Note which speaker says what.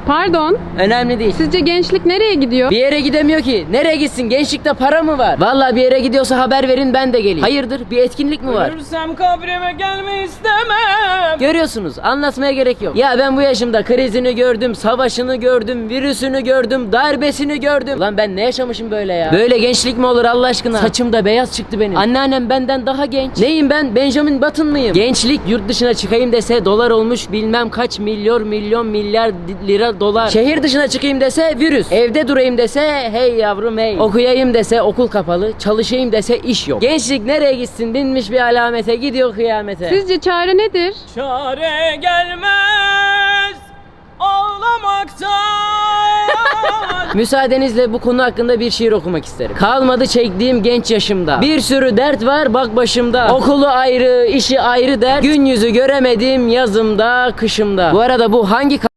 Speaker 1: Pardon.
Speaker 2: Önemli değil.
Speaker 1: Sizce gençlik nereye gidiyor?
Speaker 2: Bir yere gidemiyor ki. Nereye gitsin? Gençlikte para mı var? Vallahi bir yere gidiyorsa haber verin, ben de geleyim. Hayırdır? Bir etkinlik mi var?
Speaker 3: Ölürsem kabrime gelme istemem.
Speaker 2: Görüyorsunuz, anlatmaya gerek yok. Ya ben bu yaşımda krizini gördüm, savaşını gördüm, virüsünü gördüm, darbesini gördüm. Lan ben ne yaşamışım böyle ya? Böyle gençlik mi olur Allah aşkına? Saçım da beyaz çıktı benim. Anneannem benden daha genç. Neyim ben? Benjamin Button mıyım? Gençlik yurt dışına çıkayım dese dolar olmuş bilmem kaç milyon milyar lira dolar. Şehir dışına çıkayım dese virüs. Evde durayım dese hey yavrum hey. Okuyayım dese okul kapalı. Çalışayım dese iş yok. Gençlik nereye gitsin? Binmiş bir alamete, gidiyor kıyamete.
Speaker 1: Sizce çare nedir?
Speaker 3: Çare gelmez ağlamaktan.
Speaker 2: Müsaadenizle bu konu hakkında bir şiir okumak isterim. Kalmadı çektiğim genç yaşımda. Bir sürü dert var bak başımda. Okulu ayrı, işi ayrı dert. Gün yüzü göremedim yazımda, kışımda. Bu arada bu hangi